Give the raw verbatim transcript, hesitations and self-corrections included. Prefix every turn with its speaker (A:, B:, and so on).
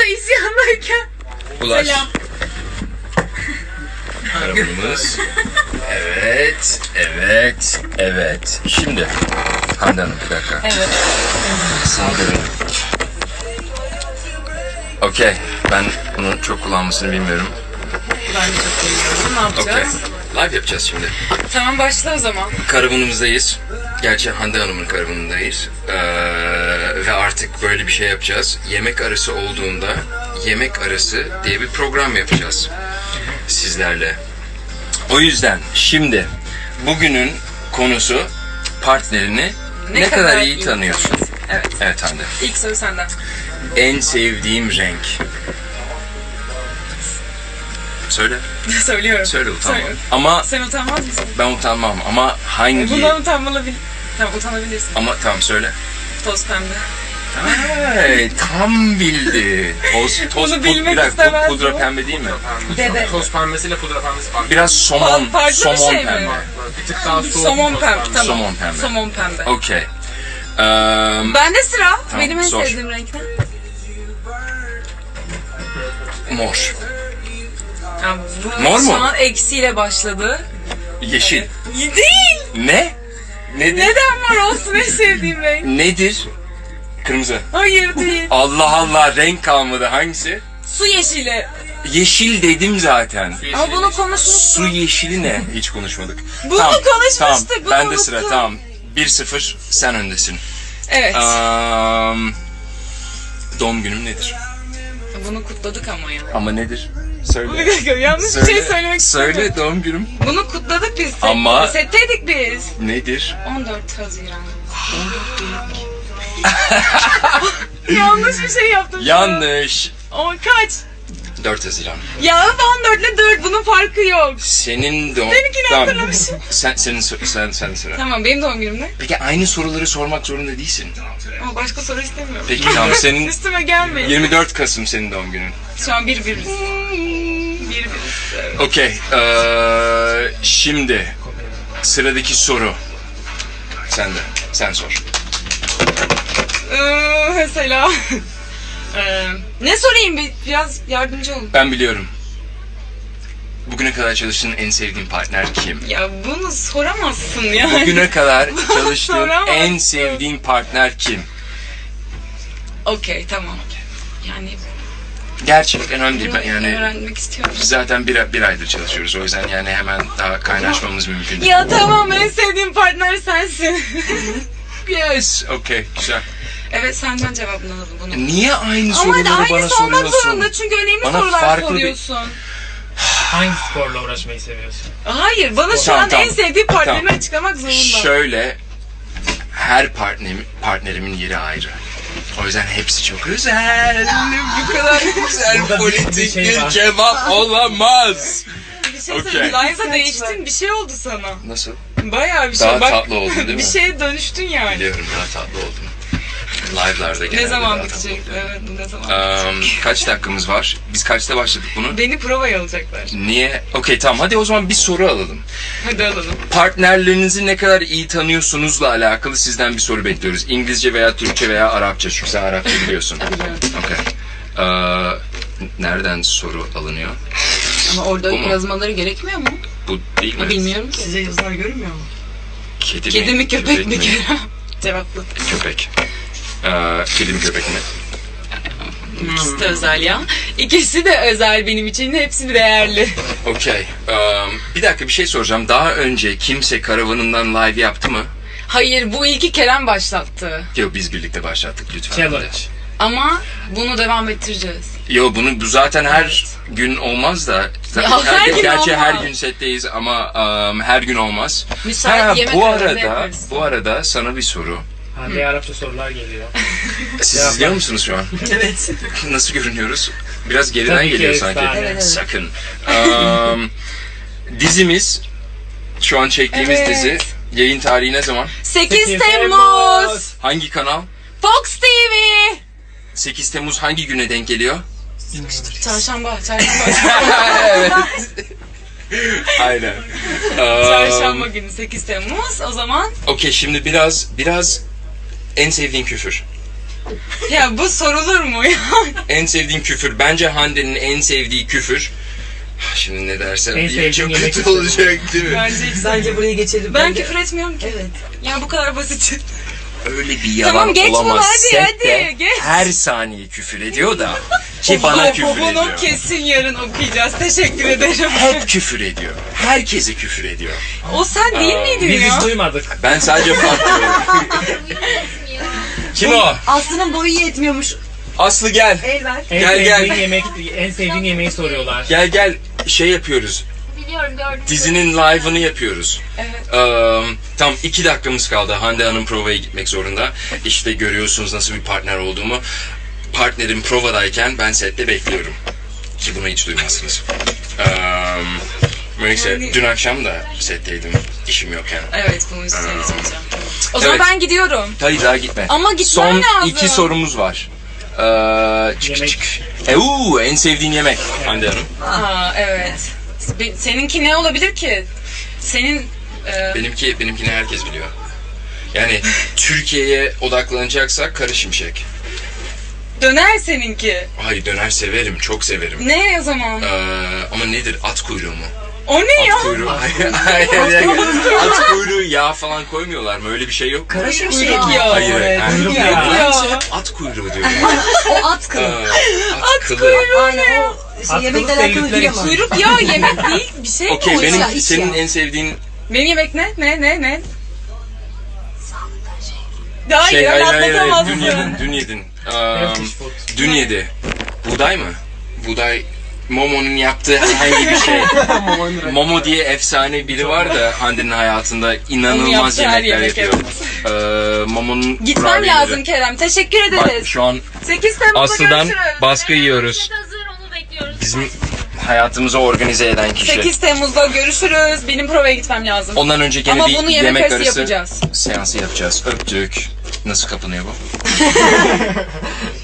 A: burada isyandayken.
B: Ulaş.
A: Selam.
B: Karavanımız. Evet, evet, evet. Şimdi Hande Hanım bir dakika.
A: Evet.
B: Saldırın. Okey. Ben bunu çok kullanmasını bilmiyorum.
A: Ben de çok bilmiyorum. Ne
B: Okey.
A: yapacağız?
B: Live yapacağız şimdi.
A: Tamam, başla o zaman.
B: Karavanımızdayız. Gerçi Hande Hanım'ın karavanındayız. Ee, ve artık böyle bir şey yapacağız. Yemek arası olduğunda yemek arası diye bir program yapacağız sizlerle. O yüzden şimdi bugünün konusu partnerini ne, ne kadar, kadar iyi tanıyorsun?
A: Evet.
B: Evet Hande.
A: İlk soru senden.
B: En sevdiğim renk. Söyle.
A: Söylüyorum.
B: Söyle utanma.
A: Söyle.
B: Ama
A: Sen utanmaz mısın?
B: ben utanmam ama hangi?
A: Bundan utanmalı bil. Tamam, utanabilirsin.
B: Ama tamam söyle.
A: Toz pembe.
B: Ay, tam bildi. Toz, toz
A: Bunu
B: pud-
A: bilmek
B: bir dakika,
A: istemezdim.
B: pudra pembe değil mi?
A: Dede.
C: Toz pembesiyle pudra pembesi farklı.
B: Biraz somon,
A: Farklı bir
B: somon
A: şey mi?
B: pembe.
C: Bir tık daha soğuk.
A: Somon
C: toz
A: pembe. Tamam.
B: Somon pembe.
A: Somon pembe.
B: Okey. Ee,
A: Bende sıra.
B: Tamam,
A: Benim en
B: sor.
A: sevdiğim renk ne?
B: mor.
A: Ya bu
B: Mor mu?
A: Şu an eksiyle başladı.
B: Yeşil.
A: Değil.
B: Ne? Nedir?
A: Neden mor olsun en sevdiğim renk?
B: Nedir? Kırmızı.
A: Hayır değil.
B: Allah Allah, renk kalmadı. Hangisi?
A: Su yeşili.
B: Yeşil dedim zaten.
A: Ama bunu konuşmuştuk.
B: Su yeşili ne? Hiç konuşmadık.
A: Bunu konuşmuştuk,
B: Tamam.
A: bunu
B: Ben de
A: unuttum.
B: sıra. Tamam. bir sıfır sen öndesin.
A: Evet.
B: Um, doğum günüm nedir?
A: Bunu kutladık ama ya.
B: Ama nedir? Söyle.
A: Bir dakika, yanlış bir şey söylemek istemiyorum.
B: Söyle doğum günüm.
A: Bunu kutladık biz. Set,
B: Ama-
A: Setteydik biz.
B: Nedir?
A: on dört Haziran. Yanlış bir şey yaptım. şu an.
B: Yanlış.
A: O kaç?
B: dört Haziran.
A: Ya on dört ile dört, bunun farkı yok.
B: Senin doğum...
A: Benimkini hatırlamışım.
B: Sen, senin, sor- sen, sen sıra.
A: Tamam, benim doğum günüm ne?
B: Peki aynı soruları sormak zorunda değilsin.
A: Ama başka soru istemiyorum.
B: Peki tamam, senin
A: Üstüme gelmeyin.
B: yirmi dört Kasım senin doğum günün.
A: Şu an bir biriz. Bir biriz. Evet.
B: Okey. Ee, şimdi sıradaki soru. Sen de. Sen sor.
A: Ee, mesela. Ee, ne sorayım, bir, biraz yardımcı olun.
B: Ben biliyorum. Bugüne kadar çalıştığın en sevdiğin partner kim?
A: Ya bunu soramazsın ya.
B: Bugüne kadar çalıştığın
A: Soramazsın.
B: en sevdiğin partner kim?
A: Okey, tamam. Yani
B: Gerçek önemli değil. Ben yani
A: öğrenmek istiyorum.
B: biz zaten bir, bir aydır çalışıyoruz. O yüzden yani hemen daha kaynaşmamız mümkün değil.
A: Ya tamam, en sevdiğim partner sensin.
B: Yes. Okey. Güzel.
A: Evet, senden cevabını alalım bunu.
B: Niye aynı
A: Ama hadi
B: soruları bana
A: aynısı olmak
B: soruyorsun?
A: zorunda çünkü önemli
B: Bana
A: sorular
B: farklı bir-
A: soruyorsun.
C: Hangi sporla uğraşmayı seviyorsun?
A: Hayır, bana şu
B: Tamam,
A: an
B: tamam.
A: en sevdiği partnerini
B: Tamam.
A: açıklamak zorunda.
B: Şöyle, her partnerim, partnerimin yeri ayrı. O yüzden hepsi çok özel. Bu kadar güzel
C: Burada bir-
B: politik
C: bir şey
B: bir
C: var.
B: cevap olamaz.
A: Bir şey
B: Okey.
A: söyleyeyim. Live'a değiştin, bir şey oldu sana.
B: Nasıl?
A: Bayağı bir şey.
B: Daha
A: Bak,
B: tatlı oldun değil mi?
A: Bir şeye dönüştün yani.
B: Biliyorum, daha tatlı oldum. Live'larda genelde
A: Ne zaman
B: daha tatlı
A: bitecek?
B: oluyor.
A: Evet, ne zaman
B: Um,
A: bitecek?
B: kaç dakikamız var? Biz kaçta başladık bunu?
A: Beni provaya alacaklar.
B: Niye? Okey tamam, hadi o zaman bir soru alalım.
A: Hadi alalım.
B: Partnerlerinizi ne kadar iyi tanıyorsunuzla alakalı sizden bir soru bekliyoruz. İngilizce veya Türkçe veya Arapça. Çünkü sen Arapça biliyorsun.
A: Biliyorum.
B: Okey. Ee, nereden soru alınıyor?
A: Ama orada
B: Bu mu?
A: yazmaları gerekmiyor mu?
B: Bu değil mi?
A: Bilmiyorum ki.
C: Size yazılar görünmüyor mu?
B: Kedi,
A: Kedi mi, köpek mi?
B: mi?
A: Cevaplı.
B: Köpek. Ee, kedi mi, köpek mi?
A: İkisi de özel ya. İkisi de özel benim için. Hepsi değerli.
B: Okey. Ee, bir dakika, bir şey soracağım. Daha önce kimse karavanından live yaptı mı?
A: Hayır, bu ilki Kerem başlattı.
B: Yok, biz birlikte başlattık lütfen.
C: Challenge.
A: Ama bunu devam ettireceğiz.
B: Yo, bunu bu zaten her gün olmaz da. Zaten
A: Ya, her gün
B: gerçi
A: olmaz.
B: her gün setteyiz ama um, her gün olmaz.
A: Müsait
B: Ha,
A: yemek
B: bu
A: arasında
B: arada
A: yaparız.
B: bu arada sana bir soru.
C: Hande Arapça sorular geliyor.
B: Siz
C: Ya,
B: izliyor
C: ben-
B: musunuz şu an?
A: Evet.
B: Nasıl görünüyoruz? Biraz geriden
C: Tabii ki
B: geliyor sanki.
C: efsane.
A: Evet, evet.
B: Sakın. Um, dizimiz, şu an çektiğimiz
A: Evet.
B: dizi, yayın tarihi ne zaman?
A: sekiz Temmuz.
B: Hangi kanal?
A: Fox T V.
B: sekiz Temmuz hangi güne denk geliyor?
A: Çarşamba, çarşamba.
B: Evet. Aynen.
A: Çarşamba
B: Um,
A: günü sekiz Temmuz. O zaman
B: Okey, şimdi biraz biraz en sevdiğin küfür.
A: Ya bu sorulur mu ya?
B: En sevdiğin küfür. Bence Hande'nin en sevdiği küfür. Şimdi ne dersem
C: En
B: diyeyim
C: sevdiğim
B: çok
C: yemek
B: kötü
C: küfürü.
B: olacak değil mi?
A: Bence hiç.
D: Bence buraya geçelim.
A: Ben
D: de-
A: küfür etmiyorum ki.
D: Evet.
A: Ya bu kadar basit.
B: Öyle bir yalan
A: Tamam, geç bunu,
B: olamaz.
A: hadi,
B: Sette
A: hadi, geç.
B: her saniye küfür ediyor da. Ki bana küfür
A: Bunu
B: ediyor.
A: kesin yarın okuyacağız. Teşekkür ederim.
B: Hep küfür ediyor. Herkese küfür ediyor.
A: O sen değil miydin
C: Biz
A: ya?
C: hiç duymadık.
B: Ben sadece patlıyorum. Kim o?
D: Aslı'nın boyu yetmiyormuş.
B: Aslı gel.
D: El ver.
C: En
B: Gel,
C: sevdiğin
B: gel.
C: yemek, en sevdiğin yemeği soruyorlar.
B: Gel gel şey yapıyoruz.
E: Biliyorum gördüm.
B: Dizinin live'ını yapıyoruz.
A: Evet.
B: Ee, tam iki dakikamız kaldı. Hande Hanım provaya gitmek zorunda. İşte görüyorsunuz nasıl bir partner olduğumu. Partnerim provadayken ben sette bekliyorum. Ki bunu hiç duymazsınız. Ee, neyse
A: Yani-
B: dün akşam da setteydim. İşim yokken.
A: Evet, bunu söyleyeceğim. O zaman
B: Evet.
A: ben gidiyorum.
B: Hayır daha gitme.
A: Ama gitmem
B: Son
A: lazım.
B: iki sorumuz var. Ee, çık
C: Yemek.
B: çık. E, uu, en sevdiğin yemek Hande Hanım.
A: Aa, evet. Be- Seninki ne olabilir ki? Senin e,
B: Benimki, benimkini herkes biliyor. Yani Türkiye'ye odaklanacaksak Karı Şimşek.
A: döner seninki.
B: Hayır döner severim, çok severim.
A: Ne o zaman?
B: Ee, ama nedir? At kuyruğu mu?
A: O ne ya?
B: At kuyruğu. Hayır, hayır, bir dakika. At kuyruğu yağ falan koymuyorlar mı? Öyle bir şey yok mu?
D: Kara şimşek.
A: Kuyruk yağı.
B: Hayır,
D: Evet.
B: yani-
C: Kuyruk
A: Ya.
C: yağı.
A: Ya.
B: At kuyruğu diyorum.
D: O at
B: Ee,
D: kılı.
B: at kılı.
D: Aynen o şey,
C: At
D: yemekle
C: kılı
D: alakalı
C: sevdikleri
D: değil
C: için.
D: ama.
A: Kuyruk yağı yemek değil. Bir şey mi
B: Okey,
A: o
B: benim
A: ya?
D: iç
B: senin
D: ya.
B: en sevdiğin
A: Benim yemek ne? Ne ne ne? Hayır,
B: şey, hayır,
A: öyle
B: hayır, hayır,
A: atlatamazsın.
B: dün yedin, dün yedin. Ee,
C: Turkish food.
B: dün yedi. Buğday mı? Buğday, Momo'nun yaptığı herhangi bir şey. Momo diye efsane biri var da Hande'nin hayatında
A: Onun
B: inanılmaz
A: yaptığı her
B: yemekler
A: yemek,
B: yapıyor. Ee, Momo'nun
A: Gitmem
B: kurabiyeleri-
A: lazım Kerem. Teşekkür
B: Bak
A: ederiz.
B: şu an
A: sekiz Temmuz'da
B: Aslı'dan
A: görüşürüz.
B: baskı yiyoruz.
E: Set hazır onu bekliyoruz.
B: Bizim hayatımızı organize eden kişi.
A: sekiz Temmuz'da görüşürüz. Benim provaya gitmem lazım.
B: Ondan önce gene
A: Ama
B: bir
A: bunu yemek
B: yemek
A: arası
B: arası
A: yapacağız.
B: seansı yapacağız. Öptük. Nasıl kapanıyor bu?